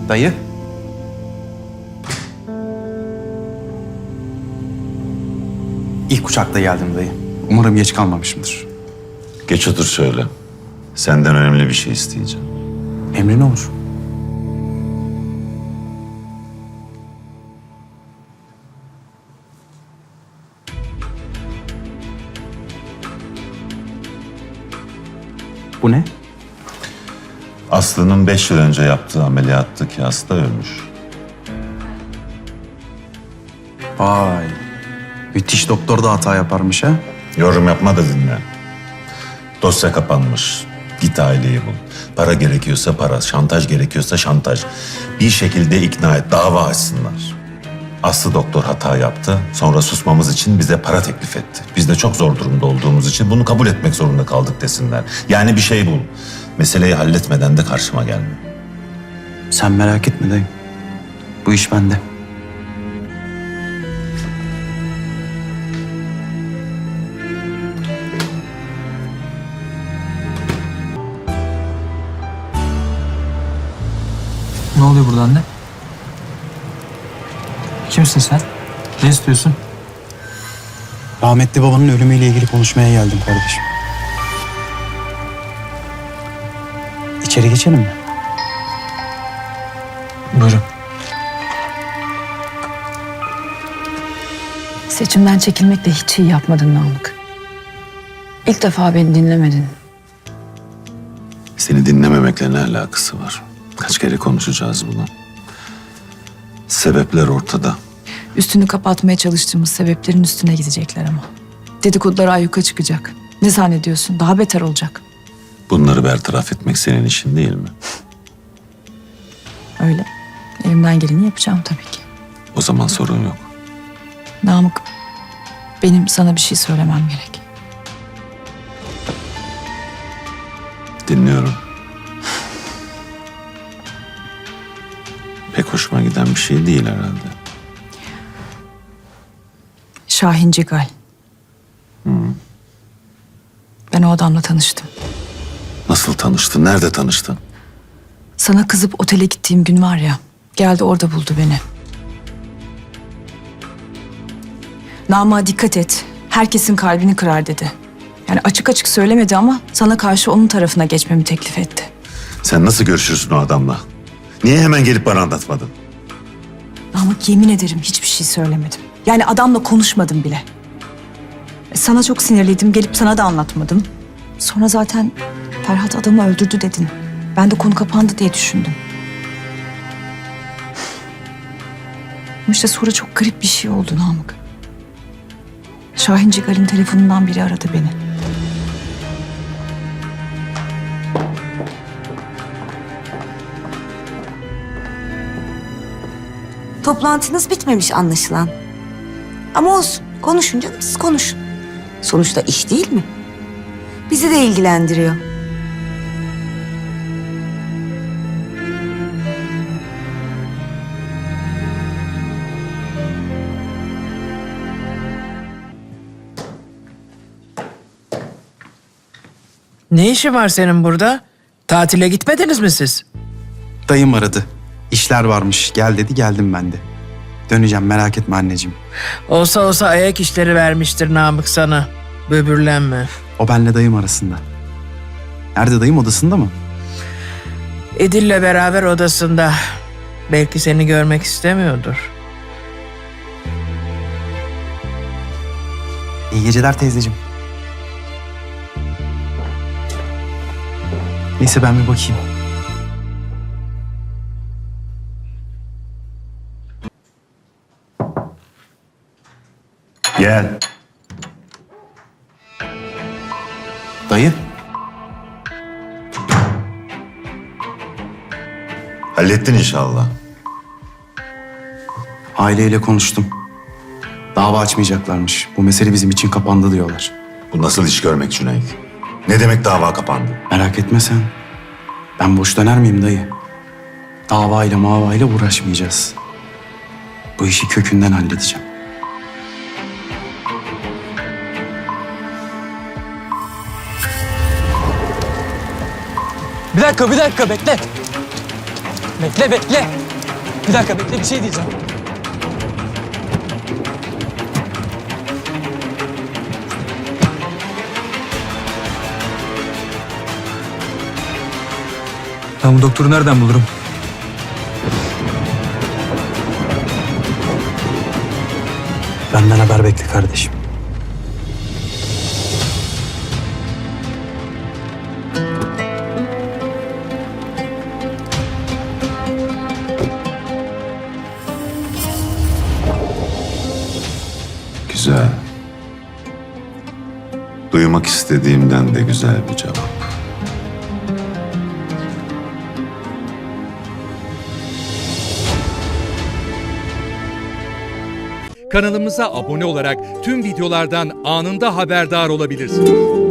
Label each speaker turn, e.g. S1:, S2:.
S1: Dayı. İlk uçakla geldim dayı. Umarım geç kalmamışımdır.
S2: Geç otur şöyle. Senden önemli bir şey isteyeceğim.
S1: Emrin olur. Bu ne?
S2: Aslı'nın 5 yıl önce yaptığı ameliyattaki hasta ölmüş.
S1: Vay. Müthiş doktor da hata yaparmış ha.
S2: Yorum yapma da dinle. Dosya kapanmış. Git aileyi bul. Para gerekiyorsa para, şantaj gerekiyorsa şantaj. Bir şekilde ikna et, dava açsınlar. Aslı doktor hata yaptı. Sonra susmamız için bize para teklif etti. Biz de çok zor durumda olduğumuz için bunu kabul etmek zorunda kaldık desinler. Yani bir şey bul. Meseleyi halletmeden de karşıma gelme.
S1: Sen merak etme dayı. Bu iş bende.
S3: Ne oluyor burada anne? Kimsin sen? Ne istiyorsun?
S1: Rahmetli babanın ölümüyle ilgili konuşmaya geldim kardeşim. İçeri geçelim mi?
S3: Buyurun.
S4: Seçimden çekilmekle hiç iyi yapmadın Namık. İlk defa beni dinlemedin.
S2: Seni dinlememekle ne alakası var? Kaç kere konuşacağız bunu? Sebepler ortada.
S4: Üstünü kapatmaya çalıştığımız sebeplerin üstüne gidecekler ama. Dedikodular ayyuka çıkacak. Ne zannediyorsun? Daha beter olacak.
S2: Bunları bertaraf etmek senin işin değil mi?
S4: Öyle. Elimden geleni yapacağım tabii ki.
S2: O zaman sorun yok.
S4: Namık, benim sana bir şey söylemem gerek.
S2: Dinliyorum. Pek hoşuma giden bir şey değil herhalde.
S4: Şahin Cigal. Ben o adamla tanıştım.
S2: Nasıl tanıştın? Nerede tanıştın?
S4: Sana kızıp otele gittiğim gün var ya, geldi orada buldu beni. Namık'a dikkat et, herkesin kalbini kırar dedi. Yani açık açık söylemedi ama sana karşı onun tarafına geçmemi teklif etti.
S2: Sen nasıl görüşürsün o adamla? Niye hemen gelip bana anlatmadın?
S4: Namık, yemin ederim hiçbir şey söylemedim. Yani adamla konuşmadım bile. Sana çok sinirliydim, gelip sana da anlatmadım. Sonra zaten Ferhat adamı öldürdü dedin. Ben de konu kapandı diye düşündüm. Ama işte sonra çok garip bir şey oldu Namık. Şahin Cigal'in telefonundan biri aradı beni.
S5: Toplantınız bitmemiş anlaşılan. Ama olsun, konuşun canım, siz konuşun. Sonuçta iş değil mi? Bizi de ilgilendiriyor.
S6: Ne işin var senin burada? Tatile gitmediniz mi siz?
S1: Dayım aradı. İşler varmış. Gel dedi, geldim ben de. Döneceğim, merak etme anneciğim.
S6: Olsa ayak işleri vermiştir Namık sana. Böbürlenme.
S1: O benle dayım arasında. Nerede dayım, odasında mı?
S6: Edil'le beraber odasında. Belki seni görmek istemiyordur.
S1: İyi geceler teyzeciğim. Neyse ben bir bakayım.
S2: Gel.
S1: Dayı.
S2: Hallettin inşallah.
S1: Aileyle konuştum. Dava açmayacaklarmış. Bu mesele bizim için kapandı diyorlar.
S2: Bu nasıl iş görmek Cüneyt? Ne demek dava kapandı?
S1: Merak etme sen. Ben boş döner miyim dayı? Davayla mavayla uğraşmayacağız. Bu işi kökünden halledeceğim.
S3: Bir dakika bekle. Bekle bekle. Bir dakika bekle bir şey diyeceğim. Ben bu doktoru nereden bulurum?
S1: Benden haber bekle kardeşim.
S2: Güzel. Duymak istediğimden de güzel bir cevap.
S7: Kanalımıza abone olarak tüm videolardan anında haberdar olabilirsiniz.